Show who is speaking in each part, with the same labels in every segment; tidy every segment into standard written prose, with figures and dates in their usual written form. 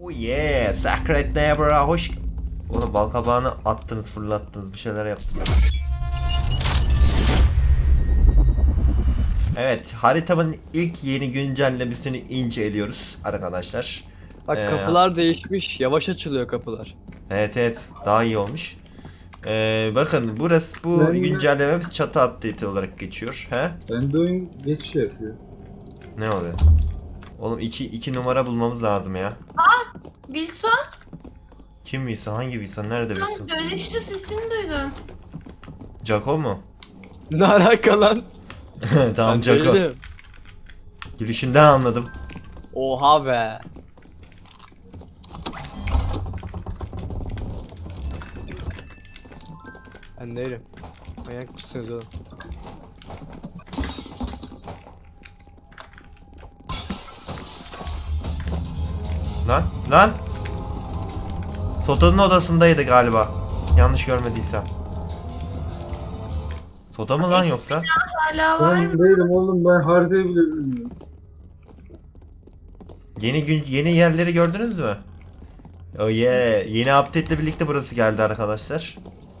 Speaker 1: Oh yeah, Sacred Neighbor'a hoş... Oğlum balkabağını attınız, fırlattınız, bir şeyler yaptınız. Evet, haritamın ilk yeni güncellemesini inceliyoruz arkadaşlar.
Speaker 2: Bak kapılar değişmiş. Yavaş açılıyor kapılar.
Speaker 1: Evet, daha iyi olmuş. Bakın burası, bu güncellememiz çatı update olarak geçiyor. He?
Speaker 3: Bende oyun geçiş yapıyor.
Speaker 1: Ne oluyor? Oğlum iki numara bulmamız lazım ya.
Speaker 4: Wilson,
Speaker 1: Kim Wilson? Hangi Wilson? Nerede Wilson?
Speaker 4: dönüştü, sesini duydum.
Speaker 1: Jaco mu?
Speaker 2: Ne alaka lan?
Speaker 1: Tamam,
Speaker 2: Ben
Speaker 1: Jaco.
Speaker 2: değilim.
Speaker 1: Gülüşünden anladım.
Speaker 2: Oha be. Ben değilim. Manyak mısınız oğlum?
Speaker 1: Lan! Soda'nın odasındaydı galiba. Yanlış görmediysem. Soda mı lan yoksa?
Speaker 4: Hala var mı?
Speaker 3: Ben değilim oğlum, ben haritayı bile bilmiyorum.
Speaker 1: Yeni yerleri gördünüz mü? Oh yeah. Yeni update ile birlikte burası geldi arkadaşlar.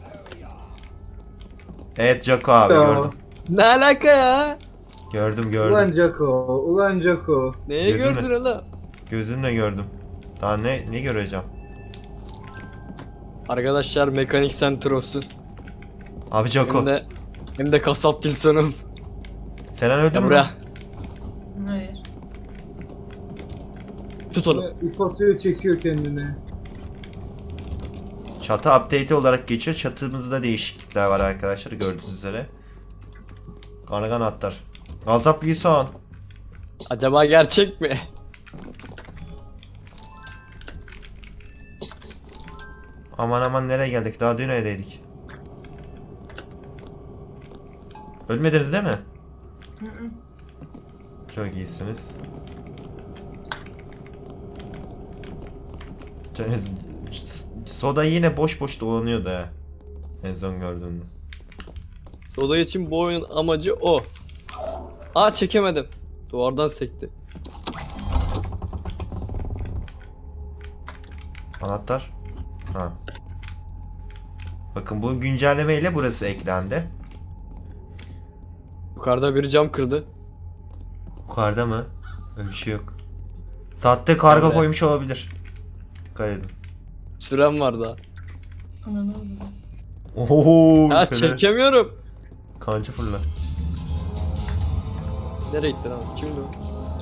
Speaker 1: Evet Jaco abi,
Speaker 3: Ya.
Speaker 1: gördüm.
Speaker 2: Ne alaka ya?
Speaker 1: Gördüm.
Speaker 3: Ulan Jaco, ulan Jaco.
Speaker 2: Neyi
Speaker 1: Gözümle.
Speaker 2: gördün oğlum?
Speaker 1: Gözümle gördüm. Daha ne göreceğim?
Speaker 2: Arkadaşlar mekanik center olsun.
Speaker 1: Abi Jaco.
Speaker 2: Hem de kasap Wilson'um.
Speaker 1: Selen öldü
Speaker 2: Ya
Speaker 1: mü?
Speaker 2: buraya.
Speaker 4: Hayır.
Speaker 2: Tut onu.
Speaker 3: İp atıyor, çekiyor kendine.
Speaker 1: Çatı update olarak geçiyor. Çatımızda değişiklikler var arkadaşlar, gördüğünüz üzere. Kargan atlar. Gazap Wilson.
Speaker 2: Acaba gerçek mi?
Speaker 1: Aman nereye geldik? Daha dün evdeydik. Ölmediniz değil mi?
Speaker 4: Hı hı.
Speaker 1: Çok iyisiniz. Soda yine boş dolanıyordu ha. En son gördüğümde.
Speaker 2: Soda için bu oyunun amacı o. Aa, çekemedim. Duvardan sekti.
Speaker 1: Anahtar. Ha. Bakın bu güncelleme ile burası eklendi.
Speaker 2: Yukarıda biri cam kırdı.
Speaker 1: Yukarıda mı? Öyle bir şey yok. Saatte kargo
Speaker 2: Nerede?
Speaker 1: koymuş olabilir. Dikkat edin.
Speaker 2: Sürem var daha.
Speaker 4: Ananı oldu.
Speaker 1: Oho,
Speaker 2: Ha,
Speaker 1: şöyle
Speaker 2: çekemiyorum.
Speaker 1: kanca fırlar.
Speaker 2: Nereye gittin abi? Kimdi o?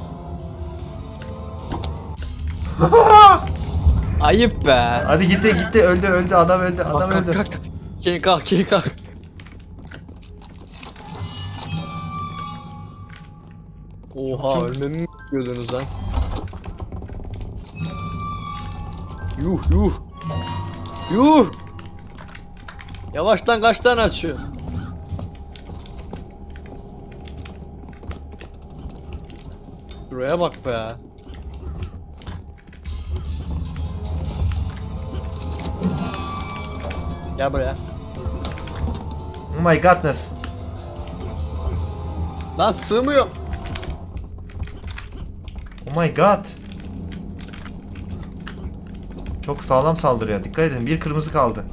Speaker 2: Ayıp be.
Speaker 1: Hadi gitti öldü adam öldü öldü.
Speaker 2: Kalk. Geri kalk. Oha,
Speaker 1: Çok-
Speaker 2: ölmemi mi bekliyordunuz lan? Yuh. Yavaştan kaç tane açıyor? Şuraya bak be. Gel buraya.
Speaker 1: Oh my godness.
Speaker 2: Lan sığmıyor.
Speaker 1: Oh my god. Çok sağlam saldırıyor. Dikkat edin. Bir kırmızı kaldı.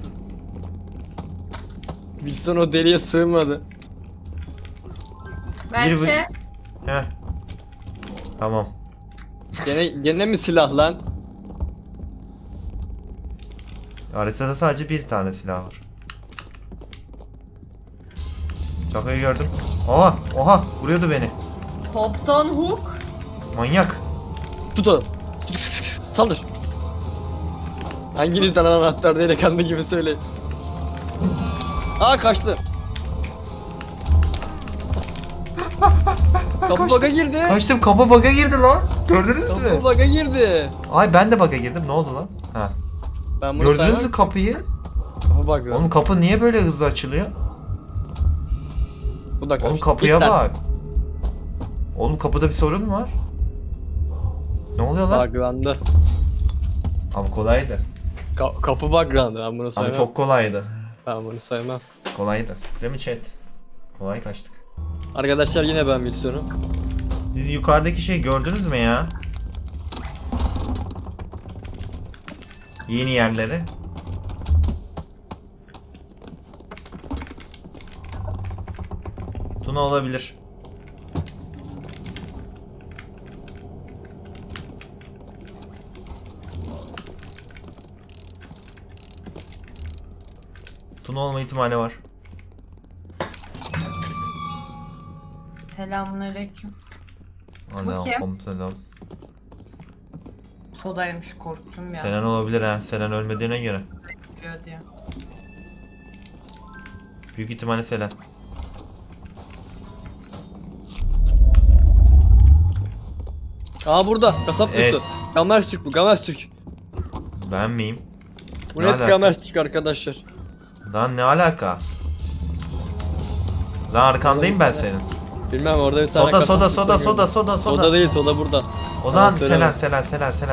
Speaker 2: Wilson o deliğe sığmadı.
Speaker 4: Belki.
Speaker 1: Heh. Tamam.
Speaker 2: Gene mi silah lan?
Speaker 1: Haritada sadece bir tane silah var. Jaco'yu gördüm. Oha vuruyordu beni.
Speaker 4: Kopton Hook.
Speaker 1: Manyak.
Speaker 2: Tut onu. Saldır. Hanginizden anahtar delikanlı gibi söyleyin. Aa, kaçtı. Kapı bug'a girdi.
Speaker 1: Kaçtım, kapı bug'a girdi lan. Gördünüz
Speaker 2: Kapı
Speaker 1: mü?
Speaker 2: bug'a girdi.
Speaker 1: Ay ben de bug'a girdim. Ne oldu lan? Ha.
Speaker 2: Ben bunu
Speaker 1: Gördünüz mü
Speaker 2: saymam.
Speaker 1: kapıyı?
Speaker 2: Kapı bug.
Speaker 1: Oğlum kapı niye böyle hızlı açılıyor?
Speaker 2: Bu da kaçtı.
Speaker 1: Oğlum kapıya
Speaker 2: Git lan.
Speaker 1: bak. Oğlum kapıda bir sorun mu var? Ne oluyor lan?
Speaker 2: Buglandı.
Speaker 1: Ama kolaydı.
Speaker 2: Kapı buglandı. Ben bunu
Speaker 1: Ama
Speaker 2: saymam.
Speaker 1: çok kolaydı.
Speaker 2: Ben bunu saymam.
Speaker 1: Kolaydı. Değil mi chat? Kolay kaçtık.
Speaker 2: Arkadaşlar yine ben Wilson'um.
Speaker 1: Siz yukarıdaki şeyi gördünüz mü ya? Yeni yerleri. Tuna olabilir. Tuna olma ihtimali var.
Speaker 4: Selamünaleyküm.
Speaker 1: Ana
Speaker 4: kim?
Speaker 1: komutanım.
Speaker 4: Sodaymış, korktum ya.
Speaker 1: Selen olabilir ha. Selen ölmediğine göre.
Speaker 4: Biliyor diye.
Speaker 1: Büyük ihtimalle Selen.
Speaker 2: Aa burada. Kasap
Speaker 1: Evet.
Speaker 2: evet. Gamers Türk bu. Gamers Türk.
Speaker 1: Ben miyim?
Speaker 2: Bu
Speaker 1: Ne
Speaker 2: net
Speaker 1: alaka?
Speaker 2: Gamers Türk arkadaşlar.
Speaker 1: Lan ne alaka? Lan arkandayım ben senin.
Speaker 2: Bilmem orada bir tane
Speaker 1: Soda
Speaker 2: kasap
Speaker 1: soda
Speaker 2: Türk
Speaker 1: soda
Speaker 2: var
Speaker 1: soda
Speaker 2: gördüm.
Speaker 1: soda
Speaker 2: Soda
Speaker 1: soda.
Speaker 2: değil, soda burada.
Speaker 1: O zaman
Speaker 2: Selen.
Speaker 1: Selen.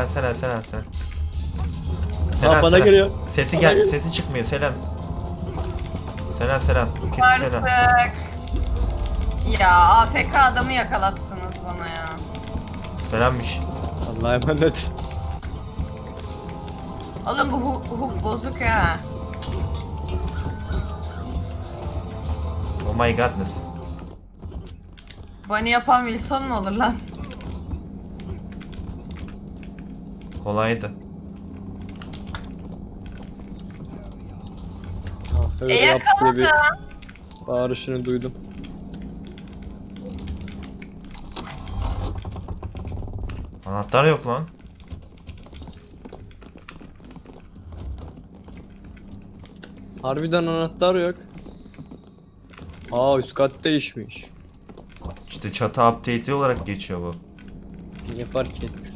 Speaker 2: Aa, bana geliyor.
Speaker 1: Sesi
Speaker 2: Bana geliyor.
Speaker 1: sesi çıkmıyor Selen. Selen. Kesin Selen.
Speaker 4: Artık. Ya AFK adamı yakalattınız bana ya.
Speaker 1: Selenmiş.
Speaker 2: Allah'a emanet.
Speaker 4: Oğlum bu hook bozuk ha.
Speaker 1: Oh my godness.
Speaker 4: Bunny yapan Wilson mu olur lan?
Speaker 1: Kolaydı.
Speaker 2: Öyle yap diye bir
Speaker 4: yakaladı.
Speaker 2: bağırışını duydum.
Speaker 1: Anahtar yok lan.
Speaker 2: Harbiden anahtar yok. Aa, üst kat değişmiş.
Speaker 1: İşte çatı update'i olarak geçiyor bu.
Speaker 2: Ne fark etmiş?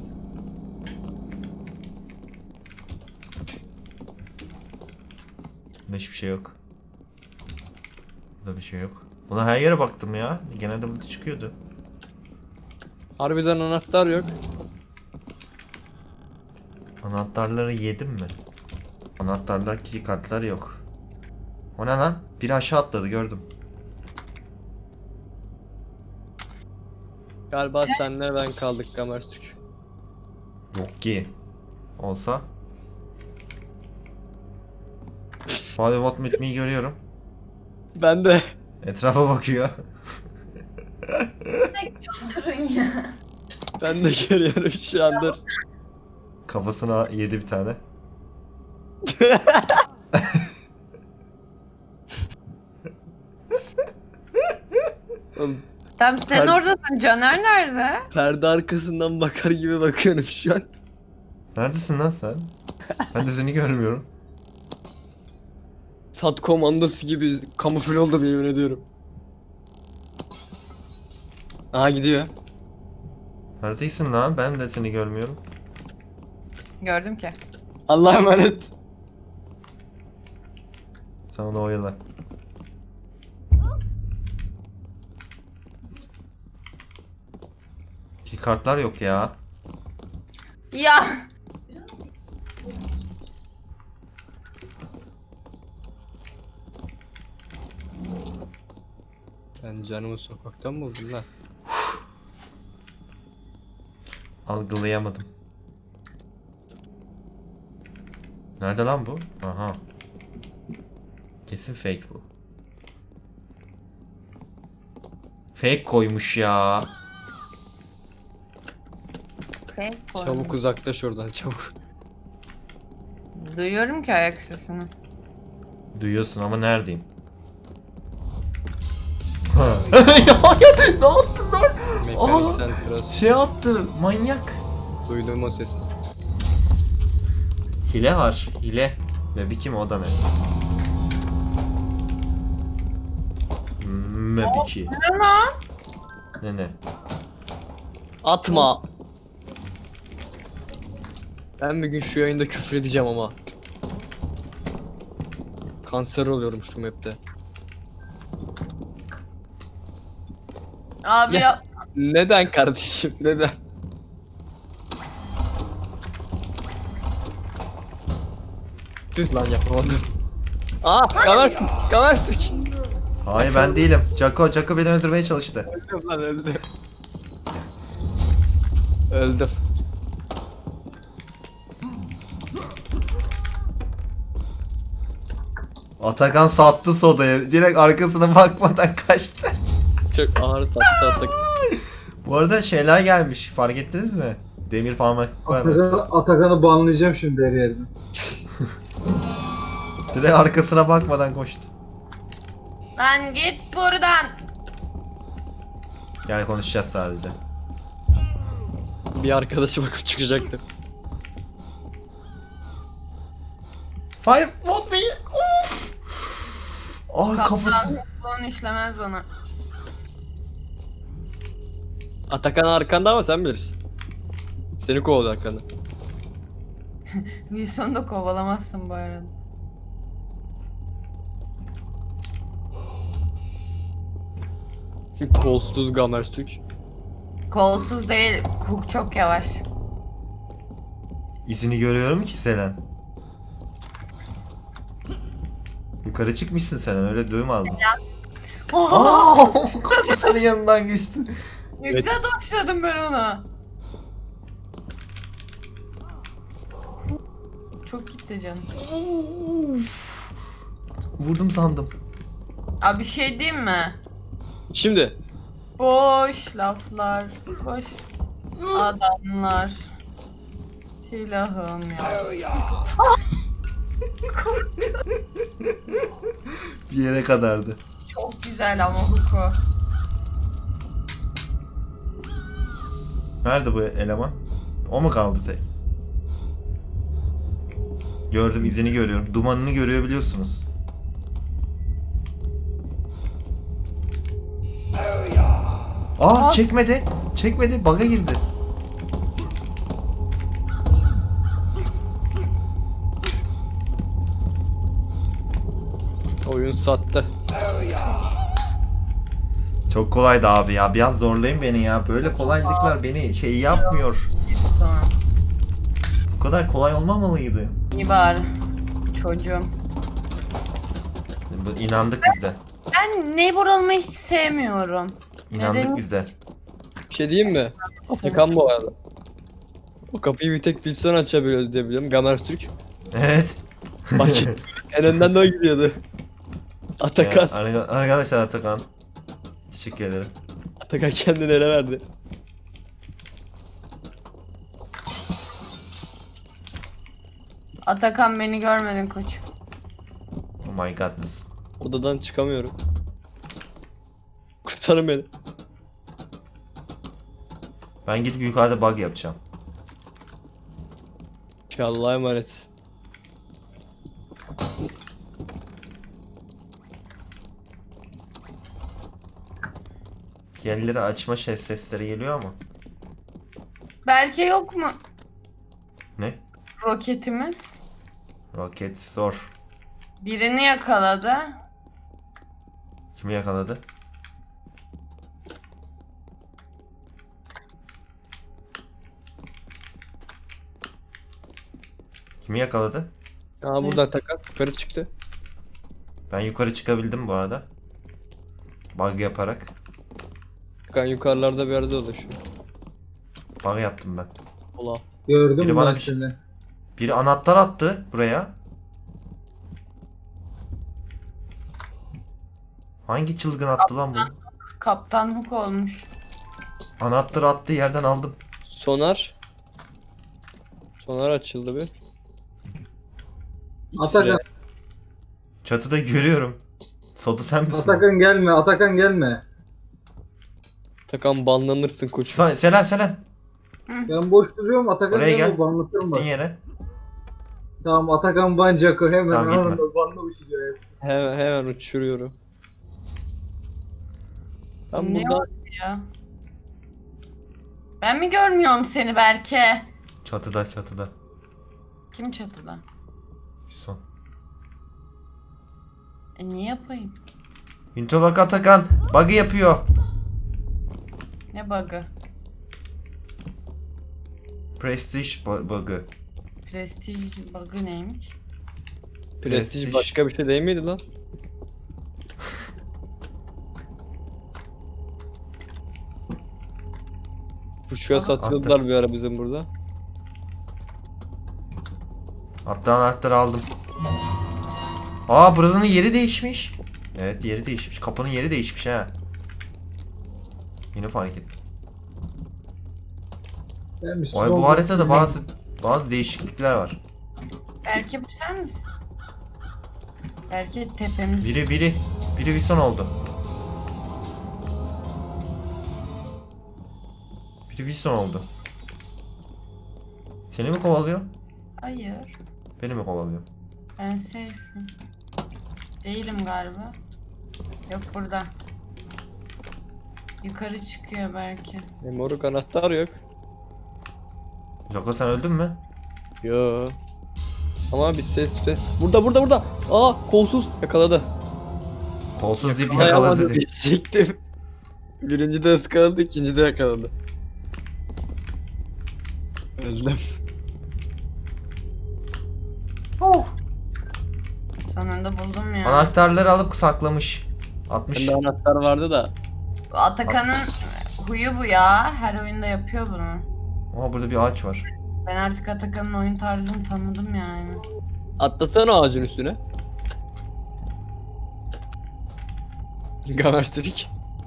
Speaker 1: Bunda hiçbir şey yok. Burada bir şey yok. Buna her yere baktım ya. Genelde burada çıkıyordu.
Speaker 2: Harbiden anahtar yok.
Speaker 1: Anahtarları yedim mi? Anahtarlar, key kartlar yok. O ne lan? Biri aşağı atladı gördüm.
Speaker 2: Galiba senle ben kaldık Gamers Türk.
Speaker 1: Yok ki. Olsa. Fatih What Met Me'yi görüyorum.
Speaker 2: Ben de.
Speaker 1: Etrafa bakıyor.
Speaker 4: Durun ya.
Speaker 2: Ben de görüyorum şu anda.
Speaker 1: Kafasına yedi bir tane.
Speaker 2: Oğlum,
Speaker 4: Tamam sen
Speaker 2: Ben-
Speaker 4: oradasın. Caner nerede?
Speaker 2: perde arkasından bakar gibi bakıyorum şu an.
Speaker 1: Neredesin lan sen? Ben de seni görmüyorum.
Speaker 2: Sat komandosu gibi kamufle oldum, yemin ediyorum. Aha gidiyor.
Speaker 1: Neredesin lan? Ben de seni görmüyorum.
Speaker 4: Gördüm ki.
Speaker 2: Allah'a emanet.
Speaker 1: Sen onu oyala. Key kartlar yok ya.
Speaker 4: Ya.
Speaker 2: Ben canımı sokaktan mı buldum lan?
Speaker 1: Algılayamadım. Nerede lan bu? Aha. Kesin fake bu. Fake koymuş ya.
Speaker 2: Çabuk uzaklaş oradan, çabuk.
Speaker 4: Duyuyorum ki ayak sesini.
Speaker 1: Duyuyorsun ama neredeyim? Ya ne yaptın lan?
Speaker 2: Mekaniksel biraz
Speaker 1: Şey attı manyak.
Speaker 2: duydum o sesi.
Speaker 1: Hile var hile. Ve bir kim o da ne? Mebiki. Ne?
Speaker 2: Atma. Ben bir gün şu yayında küfür edeceğim ama. Kanser oluyorum şu map'te.
Speaker 4: Abi
Speaker 2: Ya.
Speaker 4: ya.
Speaker 2: Neden kardeşim, neden? Tüh lan, yapamadım. Aa, Gamers Türk.
Speaker 1: Hayır ben değilim. Jaco beni öldürmeye çalıştı.
Speaker 2: Öldüm lan, öldüm. Öldüm.
Speaker 1: Atakan sattı sodayı. Direkt arkasına bakmadan kaçtı.
Speaker 2: Çok ağır sattı Atakan.
Speaker 1: Bu arada şeyler gelmiş. Fark ettiniz mi? Demir parmaklıklar.
Speaker 3: Atakan'ı banlayacağım şimdi her yerden.
Speaker 1: Direkt arkasına bakmadan koştu.
Speaker 4: Lan git buradan.
Speaker 1: Yani konuşacağız sadece.
Speaker 2: Bir arkadaşı bakıp çıkacaktı.
Speaker 1: Fire what me? Of. Ay kafası.
Speaker 4: Kaptan hukukluğun işlemez bana.
Speaker 2: Atakan arkanda ama sen bilirsin. Seni kovalıyor arkanda.
Speaker 4: Wilson'u da kovalamazsın bu arada.
Speaker 2: Kolsuz Gamerstük.
Speaker 4: Kolsuz değil. Cook çok yavaş.
Speaker 1: İzini görüyorum ki Selen. Yukarı çıkmışsın Selen, öyle duyum aldım. Aa, kafasının yanından geçti.
Speaker 4: Ne güzel doşladım ben ona. Çok gitti canım.
Speaker 1: Vurdum sandım.
Speaker 4: Abi bir şey diyeyim mi?
Speaker 2: Şimdi
Speaker 4: Boş laflar, boş adamlar. Silahım ya.
Speaker 1: Bir yere kadardı.
Speaker 4: Çok güzel ama Huko.
Speaker 1: Nerede bu eleman? O mu kaldı tek? Gördüm, izini görüyorum. Dumanını görebiliyorsunuz. Aa, çekmedi. Çekmedi. Bug'a girdi.
Speaker 2: oyun sattı.
Speaker 1: Çok kolaydı abi ya. Biraz zorlayın beni ya. Böyle kolaylıklar beni şey yapmıyor.
Speaker 4: Tamam.
Speaker 1: Bu kadar kolay olmamalıydı.
Speaker 4: İyi bari. Çocuğum.
Speaker 1: Bu inandık biz de.
Speaker 4: Ben neighbor olmayı hiç sevmiyorum.
Speaker 1: İnandık
Speaker 4: Neden?
Speaker 1: biz de.
Speaker 2: Bir şey diyeyim mi? Atakan bu arada. O kapıyı bir tek Wilson açabiliyoruz diye biliyorum. Gamerstük.
Speaker 1: Evet.
Speaker 2: Bak en önden de o gidiyordu. Atakan.
Speaker 1: Arkadaşlar Atakan. Teşekkür ederim.
Speaker 2: Atakan kendini ele verdi.
Speaker 4: Atakan beni görmedin koç.
Speaker 1: Oh my godness.
Speaker 2: Odadan çıkamıyorum. Kurtarın beni.
Speaker 1: Ben gidip yukarıda bug yapacağım.
Speaker 2: Allah'a emanet.
Speaker 1: Yerleri açma sesleri geliyor ama.
Speaker 4: Berke yok mu
Speaker 1: Ne?
Speaker 4: roketimiz?
Speaker 1: Roket zor.
Speaker 4: Birini yakaladı.
Speaker 1: Kimi yakaladı? Kimi yakaladı?
Speaker 2: Aa burada Atakan yukarı çıktı.
Speaker 1: Ben yukarı çıkabildim bu arada. Bug yaparak.
Speaker 2: Atakan yukarılarda bir yerde dolaşıyor.
Speaker 1: Bug yaptım ben.
Speaker 2: Ola.
Speaker 3: Gördüm
Speaker 1: Biri
Speaker 3: ben
Speaker 1: bana
Speaker 3: seni.
Speaker 1: Biri anahtar attı buraya. Hangi çılgın attı lan bunu?
Speaker 4: Kaptan Hook olmuş.
Speaker 1: Anahtar attığı yerden aldım.
Speaker 2: Sonar. Sonar açıldı bir.
Speaker 3: Atakan,
Speaker 1: Çatıda görüyorum. Soda sen misin?
Speaker 3: Atakan gelme, Atakan gelme.
Speaker 2: Atakan banlanırsın koç.
Speaker 1: Selen.
Speaker 3: Ben boş duruyorum, Atakan
Speaker 1: Oraya
Speaker 3: gelme,
Speaker 1: gel.
Speaker 3: banlatırım bak.
Speaker 1: Gittin yere.
Speaker 3: Tamam, Atakan Bancak'ı hemen
Speaker 1: Tamam, gitme.
Speaker 3: anında banlamış diyor.
Speaker 2: Hemen uçuruyorum. Ben
Speaker 4: Ne
Speaker 2: burada
Speaker 4: oldu ya? Ben mi görmüyorum seni Berke?
Speaker 1: Çatıda.
Speaker 4: Kim çatıda?
Speaker 1: Son.
Speaker 4: Ne yapayım?
Speaker 1: Hintolak Atakan. Bug'ı yapıyor.
Speaker 4: Ne bug'ı?
Speaker 1: Prestige bug'ı.
Speaker 4: Prestij bug'ı neymiş?
Speaker 2: prestij başka bir şey değil miydi lan? Kuşuya satıyordular bir ara bizim burada.
Speaker 1: Hatta anahtarı aldım. Aa, buranın yeri değişmiş. Evet, yeri değişmiş. Kapının yeri değişmiş ha. Yine fark ettim.
Speaker 3: Ben bir
Speaker 1: Vay, bu
Speaker 3: son-
Speaker 1: haritada bazı değişiklikler var.
Speaker 4: Belki bu sen misin? Belki tepemiz.
Speaker 1: Biri Wilson oldu. Biri Wilson oldu. Seni mi kovalıyor?
Speaker 4: Hayır.
Speaker 1: Beni mi kovalıyor?
Speaker 4: Ben safe'im. Değilim galiba. Yok burada. Yukarı çıkıyor belki.
Speaker 2: Moruk anahtar yok.
Speaker 1: Joko, sen öldün mü?
Speaker 2: Yo. Ama bir ses. Burada. Aa, kolsuz yakaladı.
Speaker 1: Kolsuz deyip
Speaker 2: Yakalayamadı
Speaker 1: yakaladı dedi.
Speaker 2: diyecektim. Birinci de ıskaladı, ikinci de yakaladı. Özlem.
Speaker 4: Sonunda buldum ya.
Speaker 1: Anahtarları alıp saklamış. 60.
Speaker 2: Bende anahtar vardı da.
Speaker 4: Bu Atakan'ın huyu bu ya. Her oyunda yapıyor bunu.
Speaker 1: Aa, burada bir ağaç var.
Speaker 4: Ben artık Atakan'ın oyun tarzını tanıdım yani.
Speaker 2: Atlasana ağacın üstüne. Gamer dedik.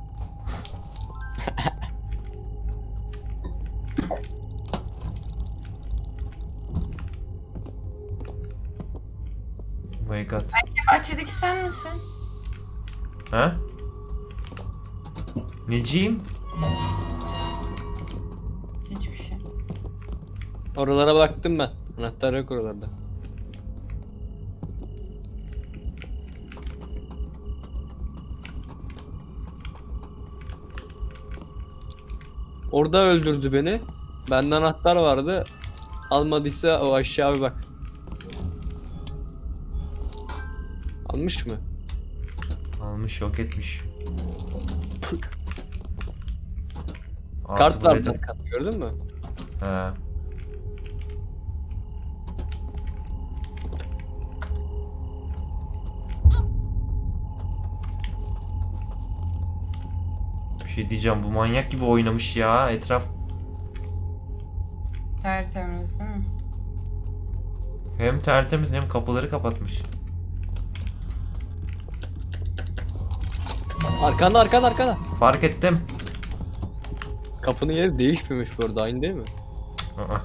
Speaker 1: Oh my god.
Speaker 4: Bahçedeki sen misin?
Speaker 1: Ha? Neciyim?
Speaker 4: Hiçbir şey.
Speaker 2: Oralara baktım ben. Anahtar yok oralarda. Orada öldürdü beni. Bende anahtar vardı. Almadıysa o aşağı bir bak. Almış mı?
Speaker 1: Almış, yok etmiş.
Speaker 2: Kart
Speaker 1: Artı
Speaker 2: var
Speaker 1: buraya da-
Speaker 2: kart, gördün mü?
Speaker 1: He. Bir şey diyeceğim, bu manyak gibi oynamış ya etraf.
Speaker 4: Tertemiz değil mi?
Speaker 1: Hem tertemiz hem kapıları kapatmış.
Speaker 2: Arkanda.
Speaker 1: Fark ettim.
Speaker 2: Kapının yeri değişmemiş bu arada, aynı değil mi?
Speaker 1: Aa.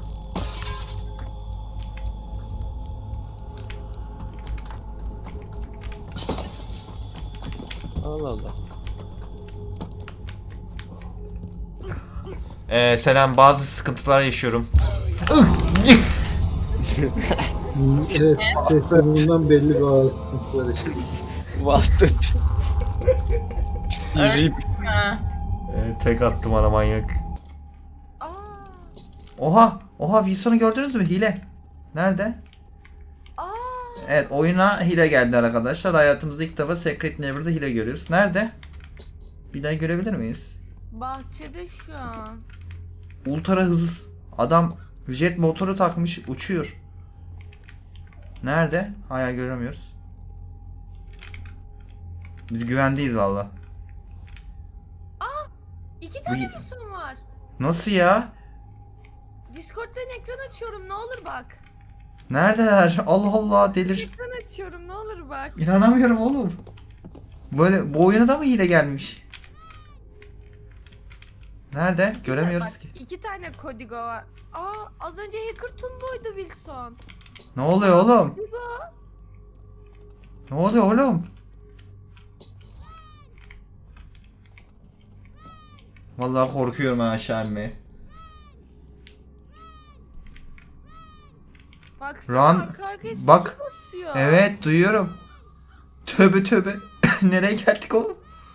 Speaker 2: Allah Allah.
Speaker 1: Selam, bazı sıkıntılar yaşıyorum.
Speaker 3: Evet, sesler belli bazı sıkıntılar işte.
Speaker 2: Bastı.
Speaker 4: Öyle
Speaker 2: İyi.
Speaker 4: Ha.
Speaker 1: Tek attım ana manyak. Oha Wilson'u gördünüz mü? Hile. Nerede? Evet, oyuna hile geldi arkadaşlar. Hayatımızda ilk defa Secret Neighbor'da hile görüyoruz. Nerede? Bir daha görebilir miyiz?
Speaker 4: Bahçede şu an.
Speaker 1: Ultra hız. Adam jet motoru takmış, uçuyor. Nerede? Hala göremiyoruz. Biz güvendeyiz valla.
Speaker 5: İki tane
Speaker 1: Bu-
Speaker 5: Wilson var.
Speaker 1: Nasıl ya?
Speaker 5: Discord'dan ekran açıyorum, ne olur bak.
Speaker 1: Neredeler? Allah Allah, delir.
Speaker 5: Ekran açıyorum, ne olur bak.
Speaker 1: İnanamıyorum oğlum. Böyle bu oyuna da mı hile gelmiş? Nerede? Göremiyoruz
Speaker 5: Bak,
Speaker 1: ki.
Speaker 5: İki tane Kodigo var. Az önce Hacker Tumbo'ydu Wilson.
Speaker 1: Ne oluyor oğlum?
Speaker 5: Kodigo.
Speaker 1: Ne oluyor oğlum? Vallahi korkuyorum ha aşağı inmeye.
Speaker 5: Baksana
Speaker 1: Run.
Speaker 5: arka arkaya ses
Speaker 1: Bak.
Speaker 5: basıyor.
Speaker 1: Evet, duyuyorum. Tövbe. Nereye geldik oğlum?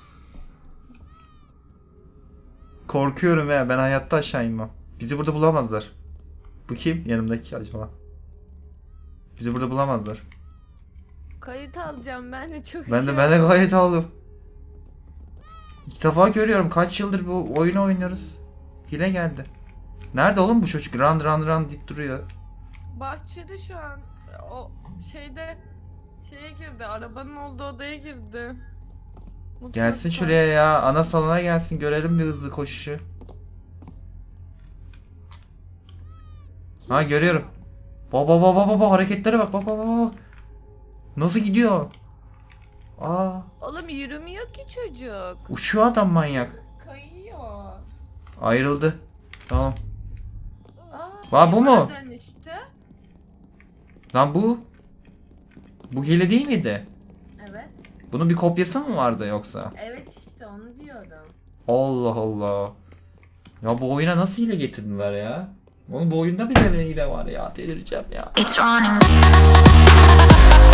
Speaker 1: Korkuyorum ya, ben hayatta aşağı inmem. Bizi burada bulamazlar. Bu kim? Yanımdaki acaba? Bizi burada bulamazlar.
Speaker 5: Kayıt alacağım ben de çok
Speaker 1: Ben de gayet aldım. İlk defa görüyorum. Kaç yıldır bu oyunu oynuyoruz. Hile geldi. Nerede oğlum bu çocuk? Run deyip duruyor.
Speaker 5: Bahçede şu an. O şeye girdi. Arabanın olduğu odaya girdi.
Speaker 1: Gelsin
Speaker 5: Mutfakta.
Speaker 1: şuraya ya. Ana salona gelsin. Görelim bir hızlı koşuşu. Ha, görüyorum. Baba hareketlere bak. Bak. Nasıl gidiyor? Aa,
Speaker 5: Oğlum yürümüyor ki çocuk.
Speaker 1: uçuyor adam manyak.
Speaker 5: Kayıyor.
Speaker 1: Ayrıldı. Tamam.
Speaker 5: Aa,
Speaker 1: Aa, bu mu?
Speaker 5: Dönüştü.
Speaker 1: Lan bu. Bu hile değil miydi?
Speaker 4: Evet.
Speaker 1: Bunun bir kopyası mı vardı yoksa?
Speaker 4: Evet işte onu diyorum.
Speaker 1: Allah Allah. Ya bu oyuna nasıl hile getirdiler ya? Oğlum bu oyunda bile hile var ya. Delireceğim ya.
Speaker 6: It's running.